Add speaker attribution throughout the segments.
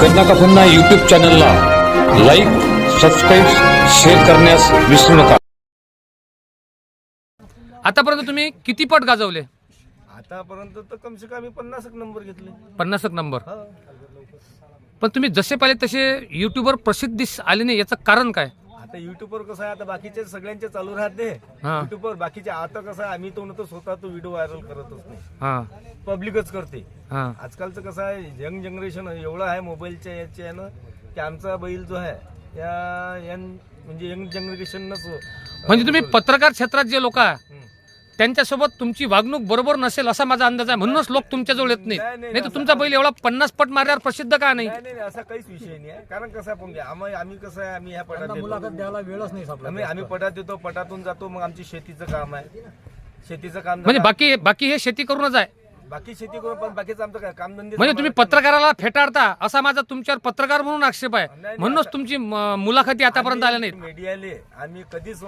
Speaker 1: गन्ना का फन्ना यूट्यूब चॅनलला लाईक, सबस्क्राईब, शेअर करण्यास विसरू नका.
Speaker 2: आतापर्यंत तुम्ही किती पट गाजवले?
Speaker 3: आतापर्यंत तर कम से कम 50 नंबर घेतले.
Speaker 2: 50 नंबर. पण तुम्ही जसे पाहिले तसे युट्यूबवर प्रसिद्धीस आले नाही, याचं कारण काय?
Speaker 3: आता युट्यूबवर कसं आहे, आता बाकीचे सगळ्यांचे चालू राहते
Speaker 2: हा.
Speaker 3: युट्यूबवर बाकीचे. आता कसं आहे, आम्ही तो स्वतः तो व्हिडिओ व्हायरल करतच नाही,
Speaker 2: हा
Speaker 3: पब्लिकच करते.
Speaker 2: हा
Speaker 3: आजकालचं कसं आहे, यंग जनरेशन एवढं आहे मोबाईलच्या याचे आहे ना, की आमचा बैल जो आहे म्हणजे यंग जनरेशनच.
Speaker 2: म्हणजे तुम्ही पत्रकार क्षेत्रात जे लोक आहे त्यांच्यासोबत तुमची वागणूक बरोबर नसेल असा माझा अंदाज आहे, म्हणूनच लोक तुमच्याजवळ येत नाहीत. नाही तर तुमचा बैल एवढा 50 पट मारल्यावर प्रसिद्ध का नाही?
Speaker 3: नाही असा काहीच विषय नाही आहे. कारण कसं आहे, आम्ही कसं आहे, आम्ही ह्या पटात
Speaker 4: मुलाखत द्यायला वेळच नाही सापडला.
Speaker 3: आम्ही पटात येतो, पटातून जातो, मग आमची शेतीचं काम आहे. शेतीचं काम
Speaker 2: म्हणजे बाकी हे शेती करूनच आहे.
Speaker 3: बाकी शेती करून, पण बाकीचं आमचं काय कामधंदे.
Speaker 2: म्हणजे तुम्ही पत्रकाराला फेटाळता असा माझा तुमच्यावर पत्रकार म्हणून आक्षेप आहे, म्हणूनच तुमची मुलाखती आतापर्यंत आल्या नाहीत.
Speaker 3: मीडियाले आम्ही कधीच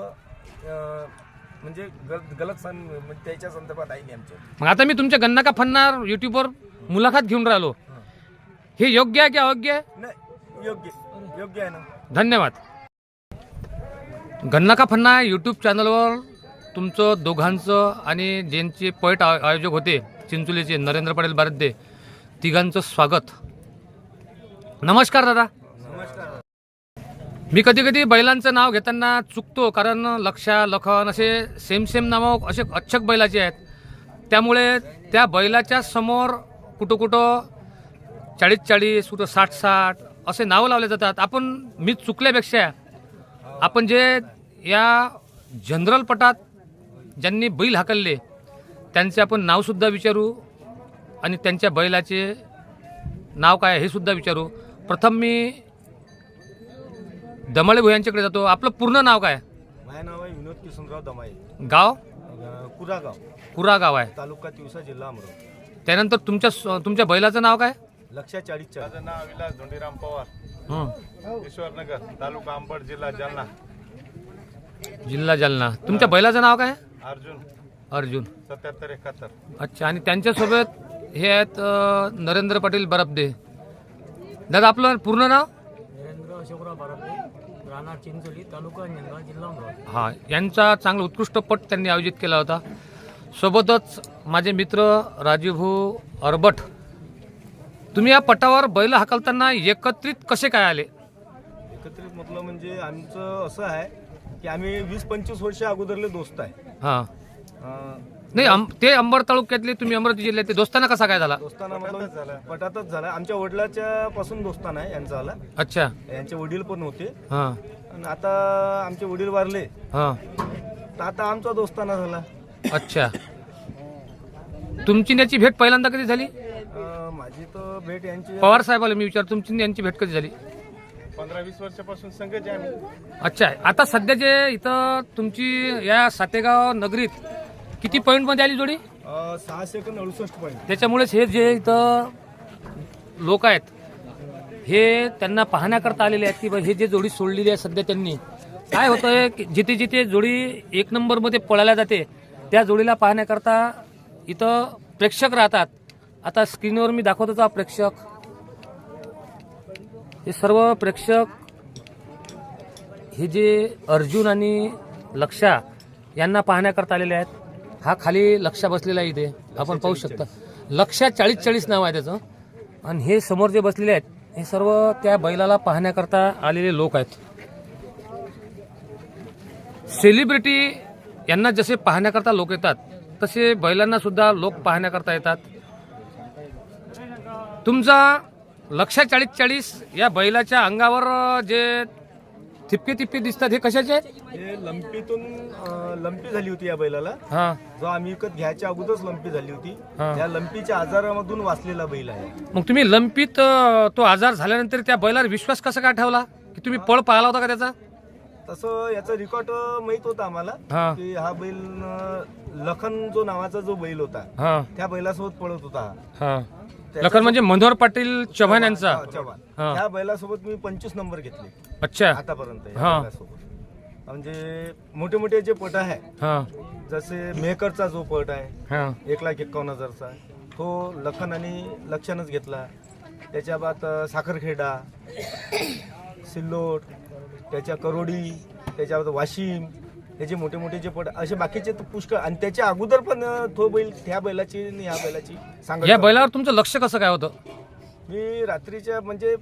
Speaker 3: म्हणजे गलत म्हणजे त्याच्या संदर्भात आहे नाही आमच्या.
Speaker 2: मग आता मी तुमच्या गन्ना का फन्नार युट्यूबवर मुलाखत घेऊन राहिलो, हे योग्य आहे की अयोग्य आहे?
Speaker 3: नाही, योग्य आहे ना.
Speaker 2: धन्यवाद. गन्ना का फन्ना यूट्यूब चॅनलवर तुमचं दोघांचं आणि ज्यांचे पॉईंट आयोजक होते चिंचोलीचे नरेंद्र पाटील बारदे तिघांचं स्वागत. नमस्कार दादा.
Speaker 3: नमस्कार.
Speaker 2: मी कधी कधी बैलांचं नाव घेताना चुकतो, कारण लक्षा, लखन असे सेम नावं असे अच्छक बैलाचे आहेत. त्यामुळे त्या बैलाच्या समोर कुठं 40-40, कुठं 60-60 असे नावं लावले जातात. मी चुकल्यापेक्षा आपण जे या जनरल पटात ज्यांनी बैल हाकलले त्यांचे आपण नावसुद्धा विचारू आणि त्यांच्या बैलाचे नाव काय हे सुद्धा विचारू. प्रथम मी दमाळे भुयांच्याकडे जातो. आपलं पूर्ण नाव काय?
Speaker 3: माझं नाव आहे विनोद किसनराव दमाई.
Speaker 2: गाव?
Speaker 3: कुरा
Speaker 2: गाव आहे,
Speaker 3: तालुका तिवसा, जिल्हा अमरावती.
Speaker 2: त्यानंतर तुमच्या बैलाचं नाव काय?
Speaker 3: लक्ष्या 40.
Speaker 5: माझं नाव विलास धोंडीराम पवार, ईश्वरनगर, तालुका अंबड, जिल्हा जालना. तुमच्या बैलाचं नाव काय? अर्जुन.
Speaker 2: 7771. अच्छा. आणि त्यांच्यासोबत हे आहेत नरेंद्र पाटील बरबदे. दादा आपलं पूर्ण नाव?
Speaker 4: नरेंद्र अशोकराव बारपे, राहणार चिंचोली, तालुका अंजनगाव, जिल्हा अमरावती.
Speaker 2: हा, यांचा चांगला उत्कृष्ट पट त्यांनी आयोजित केला होता. सोबतच माझे मित्र राजीवभाऊ अरबट. तुम्ही या पटावर बैल हाकलताना एकत्रित कसे काय आले?
Speaker 3: एकत्रित म्हटलं म्हणजे आमचं असं आहे की आम्ही 20-25 वर्ष अगोदरले दोस्त आहे.
Speaker 2: हा. नाही, ते अंबड तालुक्यातले, तुम्ही अमरावती जिल्ह्यातले. दोस्ताना कसा काय झाला?
Speaker 3: दोस्ताना मतलब पटातच झाला. आमच्या वडिलाच्या पासून दोस्ताना आहे यांचा झाला.
Speaker 2: अच्छा.
Speaker 3: यांचे वडील पण होते.
Speaker 2: हा
Speaker 3: आणि आता आमचे वडील वारले,
Speaker 2: हा.
Speaker 3: तर आता आमचा दोस्ताना झाला.
Speaker 2: अच्छा. तुमची याची भेट पहिल्यांदा कधी झाली?
Speaker 3: माझी तर भेट यांची
Speaker 2: पवार साहेबाला मी विचार, तुमची यांची भेट कधी झाली?
Speaker 5: 15-20 वर्षापासून संघच आहे आम्ही.
Speaker 2: अच्छा. आता सध्या जे इथं तुमची या सातेगाव नगरीत किती पॉईंट मध्ये आली जोडी?
Speaker 3: 668 पॉईंट.
Speaker 2: त्याच्यामुळेच हे जे इथं लोक आहेत हे त्यांना पाहण्याकरता आलेले आहेत की हे जे जोडी सोडलेली आहे सध्या, त्यांनी काय होतंय, जिथे जिथे जोडी 1 नंबरमध्ये पळायला जाते त्या जोडीला पाहण्याकरता इथं प्रेक्षक राहतात. आता स्क्रीनवर मी दाखवत होता प्रेक्षक, हे सर्व प्रेक्षक हे जे अर्जुन आणि लक्षा यांना पाहण्याकरता आलेले आहेत. हा खाली लक्षा बसलेला आहे, इथे आपण पाहू शकता. लक्षा 40 नाव आहे त्याचं. आणि हे समोर जे बसलेले आहेत हे सर्व त्या बैलाला पाहण्याकरता आलेले लोक आहेत. सेलिब्रिटी यांना जसे पाहण्याकरता लोक येतात तसे बैलांना सुद्धा लोक पाहण्याकरता येतात. तुमचा लक्षा 40 या बैलाच्या अंगावर जे थिपके दिसतात हे कशाचे आहेत?
Speaker 3: हे लंपी झाली होती या बैलाला.
Speaker 2: हा.
Speaker 3: जो आम्ही विकत घ्यायच्या अगोदरच लंपी झाली होती.
Speaker 2: हा.
Speaker 3: या लंपीच्या आजारामधून वाचलेला बैल आहे.
Speaker 2: मग तुम्ही लंपीत तो आजार झाल्यानंतर त्या बैलावर विश्वास कसा काय ठेवला की तुम्ही पळ पाहिला होता का त्याचा?
Speaker 3: तसं याचा रेकॉर्ड माहित होता आम्हाला
Speaker 2: हा.
Speaker 3: की हा बैल लखन जो नावाचा जो बैल होता
Speaker 2: हा
Speaker 3: त्या बैलासोबत पळत होता.
Speaker 2: हा. लखन म्हणजे मनोहर पाटील चव्हाण यांचा.
Speaker 3: चव्हाण.
Speaker 2: हा.
Speaker 3: त्या बैलासोबत मी 25 नंबर घेतले
Speaker 2: अच्छा.
Speaker 3: आतापर्यंत या
Speaker 2: हा.
Speaker 3: बैलासोबत. म्हणजे मोठे मोठे जे पट आहे,
Speaker 2: हा
Speaker 3: जसे मेहकरचा जो पट आहे
Speaker 2: हा
Speaker 3: 1,51,000चा, तो लखन आणि लक्षणच घेतला. त्याच्या बाद साखरखेडा, सिल्लोड, त्याच्या करोडी, त्याच्या बाद वाशिम, त्याचे मोठे मोठे जे पट असे बाकीचे तर पुष्कळ. आणि त्याच्या अगोदर पण तो बैल ह्या बैलाची आणि ह्या बैलाची सांगत
Speaker 2: या
Speaker 3: होता.
Speaker 2: बैलावर तुमचं लक्ष कसं काय होतं?
Speaker 3: मी रात्रीच्या म्हणजे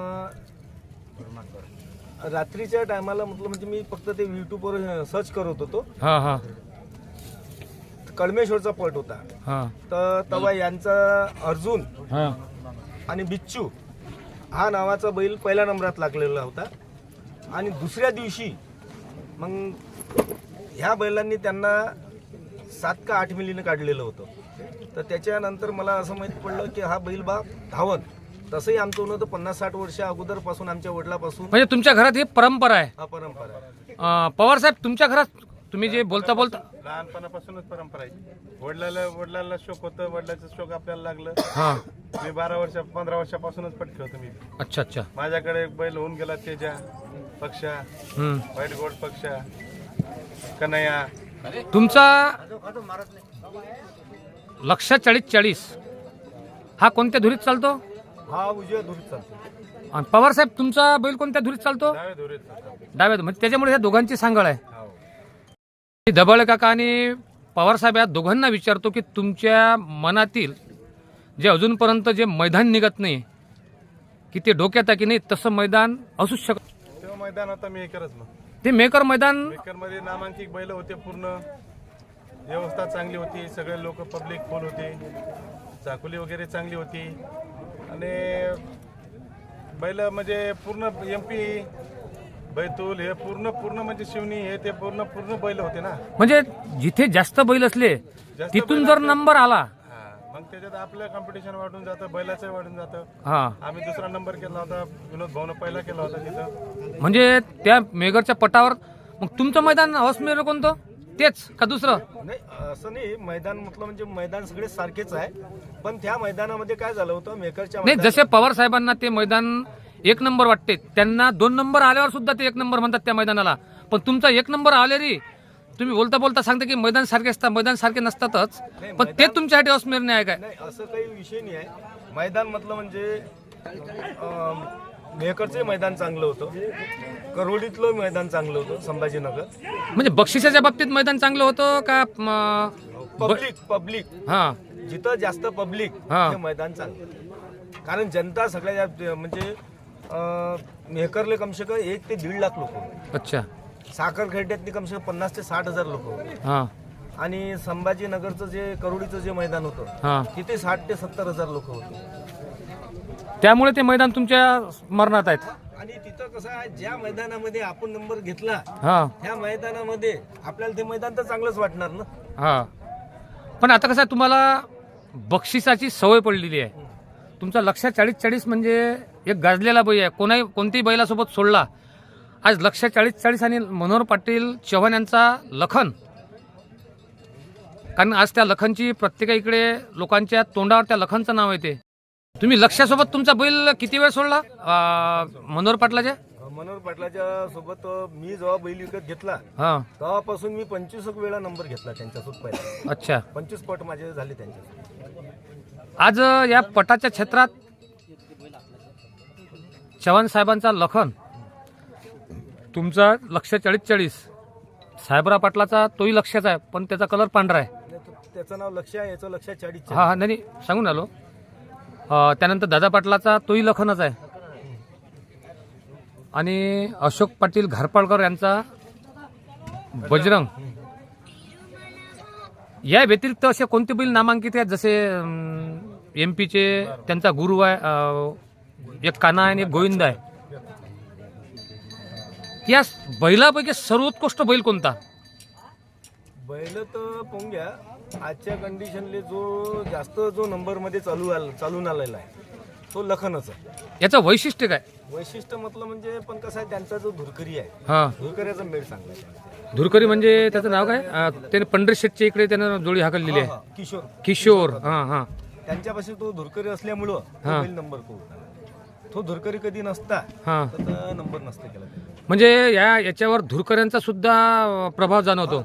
Speaker 3: रात्रीच्या टायमाला म्हटलं म्हणजे मी फक्त ते यूट्यूबवर सर्च करत होतो.
Speaker 2: हां हां
Speaker 3: कळमेश्वरचा पट होता.
Speaker 2: हां
Speaker 3: तर तेव्हा यांचा अर्जुन
Speaker 2: हां
Speaker 3: आणि बिच्चू हा नावाचा बैल पहिल्या नंबरात लागलेला होता. आणि दुसऱ्या दिवशी मग ह्या बैलांनी त्यांना 7 का 8 मिलीनं काढलेलं होतं. तर त्याच्यानंतर मला असं माहीत पडलं की हा बैल बा धावन. तसंही आमचं होतं 50-60 वर्ष अगोदरपासून आमच्या वडिलापासून
Speaker 2: म्हणजे तुमच्या घरात ही परंपरा आहे.
Speaker 3: हा परंपरा आहे.
Speaker 2: पवार साहेब, तुमच्या घरात तुम्ही जे बोलता
Speaker 5: लहानपणापासूनच परंपरा आहे. वडिलाला शौक होतं, वडिलाचं शौक आपल्याला लागलं.
Speaker 2: हां
Speaker 5: मी 15 वर्षापासूनच पट खेळतो मी.
Speaker 2: अच्छा अच्छा.
Speaker 5: माझ्याकडे एक बैल होऊन गेला, तेजा पक्षा,
Speaker 2: हम्म.
Speaker 5: व्हाईट गोल्ड पक्षा, कन्हैया.
Speaker 2: तुमचा लक्ष 40-40 हा कोणत्या धुरीत चालतो?
Speaker 3: हा उजव्या धुरीत चालतो.
Speaker 2: आणि पवार साहेब, तुमचा बैल कोणत्या धुरीत चालतो?
Speaker 5: डाव्या धुरीत.
Speaker 2: डाव्या. म्हणजे त्याच्यामुळे ह्या दोघांची सांगड आहे.
Speaker 5: हो.
Speaker 2: मी दबाळे काका आणि पवार साहेब या दोघांना विचारतो की तुमच्या मनातील जे अजूनपर्यंत जे मैदान निघत नाही की ते डोक्यात आहे की नाही तसं मैदान असू शकत.
Speaker 5: तेव्हा मैदान आता मी करत मग
Speaker 2: ते मेकर मैदान
Speaker 5: मेकर मध्ये नामांकित बैल होते. पूर्ण व्यवस्था चांगली होती. सगळे लोक पब्लिक फुल होते. चाकुली वगैरे चांगली होती. आणि बैल म्हणजे पूर्ण MP बैतूल हे पूर्ण म्हणजे शिवनी हे ते पूर्ण बैल होते ना.
Speaker 2: म्हणजे जिथे जास्त बैल असले तिथून जर नंबर आला
Speaker 5: हा, मग त्याच्यात आपलं कॉम्पिटिशन वाढून जातं, बैलाचं वाढून जातं.
Speaker 2: हा
Speaker 5: आम्ही दुसरा नंबर केला होता, विनोद भाऊनं पहिला केला होता तिथं.
Speaker 2: म्हणजे त्या मेगरच्या पटावर मग तुमचं मैदान हौसमेर कोणतं? तेच का दुसरं?
Speaker 3: नाही असं नाही. मैदान म्हटलं म्हणजे मैदान सगळे सारखेच आहे. पण त्या मैदानामध्ये काय झालं होतं मेकरच्या
Speaker 2: नाही, जसे पवार साहेबांना ते मैदान 1 नंबर वाटते, त्यांना 2 नंबर आल्यावर सुद्धा ते 1 नंबर म्हणतात त्या मैदानाला. पण तुमचा 1 नंबर आले रे, तुम्ही बोलता बोलता सांगता की मैदान सारखे असतात. मैदान सारखे नसतातच, पण ते तुमच्यासाठी हौसमेर नाही आहे काय?
Speaker 3: नाही असं काही विषय नाही आहे. मैदान म्हटलं म्हणजे मेहकरचं मैदान चांगलं होतं, करोडीतलं मैदान चांगलं होतं, संभाजीनगर.
Speaker 2: म्हणजे बक्षिसाच्या बाबतीत मैदान चांगलं होतं का?
Speaker 3: पब्लिक
Speaker 2: हा
Speaker 3: जिथं जास्त पब्लिक
Speaker 2: हा.
Speaker 3: हे मैदान चांगलं. कारण जनता सगळ्या म्हणजे मेहकरले कमसे कम 1 ते 1.5 लाख लोक होते.
Speaker 2: अच्छा.
Speaker 3: साखर खेड्यातली कमसे कम 50 ते 60 हजार लोक होते.
Speaker 2: हा
Speaker 3: आणि संभाजीनगरचं जे करोडीचं जे मैदान होतं
Speaker 2: हा.
Speaker 3: तिथे 60 ते 70 हजार लोक होते.
Speaker 2: त्यामुळे ते मैदान तुमच्या स्मरणात आहेत.
Speaker 3: आणि तिथं कसं आहे, ज्या मैदानामध्ये आपण नंबर घेतला
Speaker 2: हा
Speaker 3: त्या मैदानामध्ये आपल्याला ते मैदान तर चांगलंच वाटणार ना.
Speaker 2: हा. पण आता कसं आहे, तुम्हाला बक्षिसाची सवय पडलेली आहे. तुमचा लक्ष 40-40 म्हणजे एक गाजलेला बैल आहे. कोणत्याही बैलासोबत सोडला. आज लक्ष 40-40 आणि मनोहर पाटील चव्हाण यांचा लखन. कारण आज त्या लखनची प्रत्येकाकडे लोकांच्या तोंडावर त्या लखनचं नाव येते. तुम्ही लक्षासोबत तुमचा बैल किती वेळ सोडला मनोहर पाटलाच्या?
Speaker 3: मनोहर पाटलाच्या सोबत मी जेव्हा बैल विकत घेतला
Speaker 2: हा.
Speaker 3: तेव्हापासून मी 25 वेळा नंबर घेतला त्यांच्यासोबत. पहिला
Speaker 2: अच्छा.
Speaker 3: 25 पट माझे झाले त्यांच्यासोबत.
Speaker 2: आज या पटाच्या क्षेत्रात चव्हाण साहेबांचा लखन, तुमचा लक्ष 40-40, साहेबराव पाटलाचा तोही लक्षाचा आहे पण त्याचा कलर पांढरा आहे.
Speaker 3: त्याचं नाव लक्ष आहे, याचं लक्ष 40.
Speaker 2: हा हा. नाही सांगून आलो. त्यानंतर दादा पाटलाचा तोही लखनच आहे. आणि अशोक पाटील घारपाळकर यांचा बजरंग. या व्यतिरिक्त असे कोणते बैल नामांकित आहेत? जसे MP चे त्यांचा गुरु आहे, एक काना आहे आणि एक गोविंद आहे. या बैलापैकी सर्वोत्कृष्ट बैल कोणता?
Speaker 3: बैल तर पाहून घ्या, आजच्या कंडिशनले जो नंबर मध्ये चालून आलेला आहे तो लखनच आहे.
Speaker 2: याचं वैशिष्ट्य काय?
Speaker 3: वैशिष्ट्य म्हटलं म्हणजे पण कसं आहे, त्यांचा जो धुरकरी आहे,
Speaker 2: हा.
Speaker 3: धुरकऱ्याचा मेळ चांगला आहे.
Speaker 2: धुरकरी म्हणजे त्याचं नाव काय? त्याने पंढरी शेटच्या इकडे त्यानं जोडी हाकललेली आहे.
Speaker 3: किशोर
Speaker 2: किशोर. हा हा.
Speaker 3: त्यांच्यापाशी तो धुरकरी असल्यामुळं तो
Speaker 2: हा.
Speaker 3: बैल नंबर तो तो धुरकरी कधी नसता
Speaker 2: हा.
Speaker 3: तर नंबर नसता केला त्याने.
Speaker 2: म्हणजे याच्यावर धुरकऱ्यांचा सुद्धा प्रभाव जाणवतो.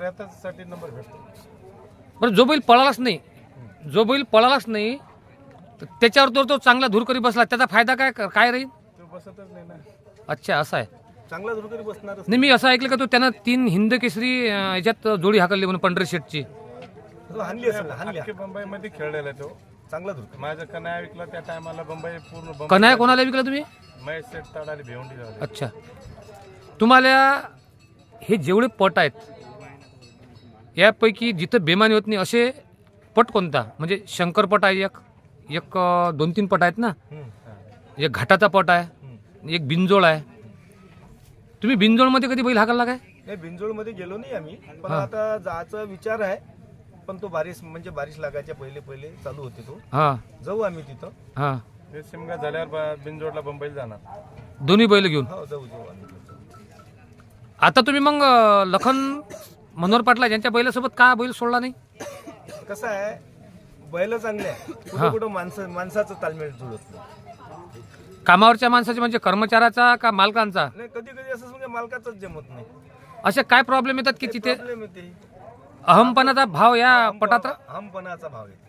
Speaker 5: साठी नंबर भेटतो.
Speaker 2: बरं, जो बैल पळालाच नाही तर त्याच्यावर तो चांगला धूरकरी बसला, त्याचा फायदा काय राहील?
Speaker 5: तो बसतच नाही ना.
Speaker 2: अच्छा, असं आहे.
Speaker 3: चांगला धुरकरी बसणारच.
Speaker 2: नाही, मी असं ऐकलं का तो त्यानं 3 हिंद केसरी याच्यात जोडी हाकलली म्हणून पंढरी शेटची.
Speaker 3: तो हाणली असेल, हाणली.
Speaker 5: अख्खे बंबईमध्ये खेळलेला आहे तो.
Speaker 3: चांगला धुरकरी.
Speaker 5: माझा कन्या विकला त्या टायमाला बंबई पूर्ण बंबई.
Speaker 2: कन्हैया कोणाला विकला तुम्ही?
Speaker 5: महेश सेठ ताडाले भिवंडी झाले.
Speaker 2: अच्छा, तुम्हाला हे जेवढे पट आहेत यापैकी जिथं बेमानी होत नाही असे पट कोणता? म्हणजे शंकरपट आहे, एक 2-3 पट आहेत ना, एक घाटाचा पट आहे, एक बिंजोळ आहे. तुम्ही बिंजोळमध्ये कधी बैल हाकलला काय?
Speaker 3: नाही, बिंजोळमध्ये गेलो नाही आम्ही, पण आता जायचा विचार आहे. पण तो बारिश लागायच्या पहिले चालू होते तो.
Speaker 2: हां
Speaker 3: जाऊ आम्ही तिथं.
Speaker 2: हां,
Speaker 5: ते शिमगा झाल्यावर बिनजोडला बंबईला जाणार.
Speaker 2: दोन्ही बैल घेऊन.
Speaker 3: हो, जाऊ आम्ही.
Speaker 2: आता तुम्ही मग लखन मनोहर पाटला यांच्या बैलासोबत का बैल सोडला नाही?
Speaker 3: कसं आहे, बैल चांगले आहे, कुठं माणसाचं तालमेल जुळत नाही.
Speaker 2: कामावरच्या माणसाचे म्हणजे कर्मचाऱ्याचा का मालकांचा?
Speaker 3: नाही, कधी असं म्हणजे मालकाचंच जमत नाही.
Speaker 2: असे काय प्रॉब्लेम येतात की तिथे
Speaker 3: प्रॉब्लेम येते.
Speaker 2: अहमपणाचा भाव या पटात?
Speaker 3: हमपणाचा भाव येते.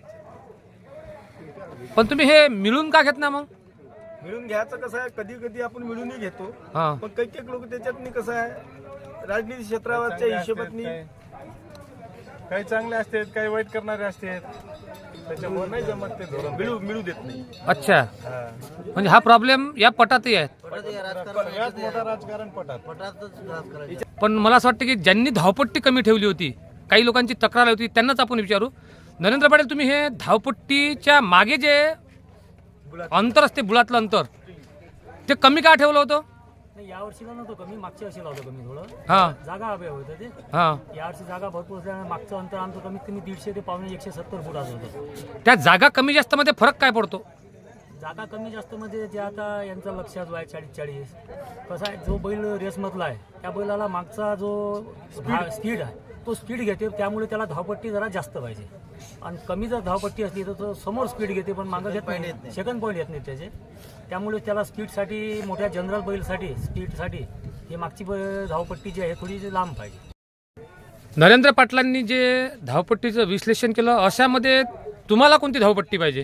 Speaker 2: पण तुम्ही हे मिळून का घेत ना मग?
Speaker 3: मिळून घ्यायचं कसं आहे, कधी आपण मिळूनही घेतो.
Speaker 2: हां,
Speaker 3: पण काही लोक त्याच्यात कसं आहे, राजनीती क्षेत्रावरच्या हिशोबातनी
Speaker 5: काही चांगले असतात, काही वाईट करणारे असतात. त्याच्यामुळे नाही जमत ते धोरण.
Speaker 3: मिळू देत नाही.
Speaker 2: अच्छा, म्हणजे हा प्रॉब्लेम या पटातही आहे.
Speaker 5: यात मोठा राजकारण पटात.
Speaker 2: पण मला असं वाटतं की ज्यांनी धावपट्टी कमी ठेवली होती, काही लोकांची तक्रार होती, त्यांनाच आपण विचारू. नरेंद्र पाटील, तुम्ही हे धावपट्टीच्या मागे जे अंतर असते, बुळातलं अंतर, ते कमी का ठेवलं होतं?
Speaker 4: नाही, यावर्षीला नव्हतं कमी, मागच्या वर्षीला होतं कमी थोडं.
Speaker 2: हां
Speaker 4: जागा हवी होतं ते.
Speaker 2: हां,
Speaker 4: यावर्षी जागा भरपूर असल्यामुळे मागचं अंतर आमचं कमीत कमी 150 ते पावणे 170 फूट असं होतं.
Speaker 2: त्या जागा कमी जास्त मध्ये फरक काय पडतो?
Speaker 4: जागा कमी जास्त म्हणजे जे आता यांचं लक्षात आहे 40-40. कसं आहे, जो बैल रेसमधला आहे त्या बैलाला मागचा जो स्पीड आहे तो स्पीड घेते, त्यामुळे त्याला धावपट्टी जरा जास्त पाहिजे. आणि कमी जर धावपट्टी असली तर तो समोर स्पीड घेते पण मागं घेत नाही, सेकंड पॉईंट येत नाही त्याचे. त्यामुळे त्याला स्पीडसाठी, मोठ्या जनरल बैलसाठी स्पीडसाठी ही मागची धावपट्टी जी आहे थोडी लांब पाहिजे.
Speaker 2: नरेंद्र पाटलांनी जे धावपट्टीचं विश्लेषण केलं, अशामध्ये तुम्हाला कोणती धावपट्टी पाहिजे?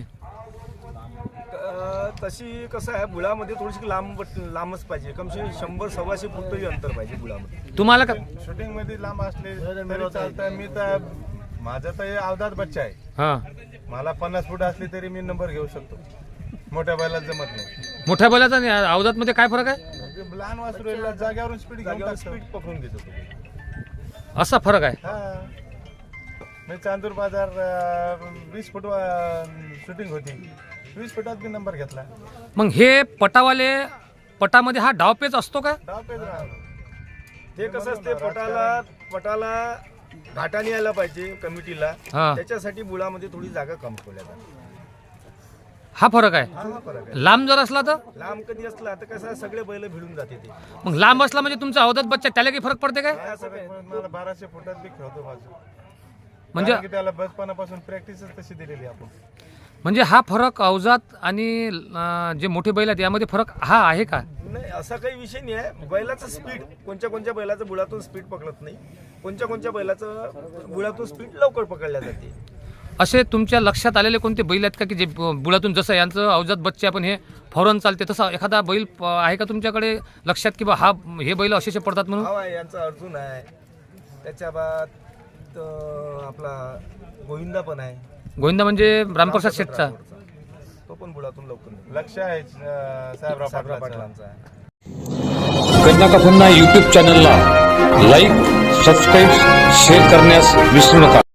Speaker 3: तशी कसं आहे, बुळामध्ये थोडीशी लांबच पाहिजे. कमसे 100-125 फूट तरी अंतर पाहिजे बुळामध्ये.
Speaker 2: तुम्हाला का?
Speaker 5: शूटिंग मध्ये लांब असले तरी चालतं. मी तर माझा तर अवधात बच्चा आहे.
Speaker 2: हां,
Speaker 5: मला 50 फूट असली तरी मी नंबर घेऊ शकतो. मोठ्या बैलात जमत नाही.
Speaker 2: मोठ्या बैलाचा आणि अवधातमध्ये काय फरक आहे?
Speaker 5: लहान वासरूला जाग्यावरून स्पीड
Speaker 3: स्पीड पकडून घेतो तो.
Speaker 2: असा फरक आहे.
Speaker 5: हा, मी चांदूर बाजार 20 फूट शूटिंग होती, 20 फुटात मी नंबर घेतला.
Speaker 2: मग हे पटामध्ये हा डावपेच असतो का?
Speaker 5: डाव पेच राहणार.
Speaker 3: ते कसं असते, पटाला घाटाने यायला पाहिजे कमिटीला.
Speaker 2: हां,
Speaker 3: त्याच्यासाठी बुळामध्ये थोडी जागा कम ठेवल्या जाते.
Speaker 2: हा फरक आहे.
Speaker 3: हा फरक आहे.
Speaker 2: लांब जर असला तर?
Speaker 3: लांब कधी असला तर कसं आहे, सगळे बैल भिडून जाते ते.
Speaker 2: मग लांब असला म्हणजे तुमचा अवधात बच्चा, त्याला काही फरक पडते काय?
Speaker 3: हा, सगळे.
Speaker 5: मला 1200 फुटात बी खेळतो माझं.
Speaker 2: म्हणजे
Speaker 5: कारण की त्याला बचपनापासून प्रॅक्टिसच तशी दिलेली आपण.
Speaker 2: म्हणजे हा फरक अवजात आणि जे मोठे बैल आहेत यामध्ये फरक हा आहे का?
Speaker 3: नाही, असा काही विषय नाही आहे. बैलाचं स्पीड, कोणत्या बैलाचं बुळातून स्पीड पकडत नाही, कोणत्या बैलाचं बुळातून स्पीड लवकर पकडल्या जाते.
Speaker 2: असे तुमच्या लक्षात आलेले कोणते बैल आहेत का की जे बुळातून, जसं यांचं अवजात बच्चे आपण हे फौरन चालते, तसा एखादा बैल आहे का तुमच्याकडे लक्षात की बा हे बैल असे पडतात म्हणून?
Speaker 3: हा, यांचा अर्जुन आहे, त्याच्या बाद आपला गोविंदा पण आहे.
Speaker 2: गोविंदा म्हणजे रामप्रसाद शेठचा?
Speaker 3: तो पण बुळातून लवकर.
Speaker 5: लक्ष आहे साहेबराव पाटलांचं.
Speaker 3: पाटलांचा आहे.
Speaker 1: कन्या का फन्ना यूट्यूब चॅनलला लाईक, सबस्क्राईब, शेअर करण्यास विसरू नका.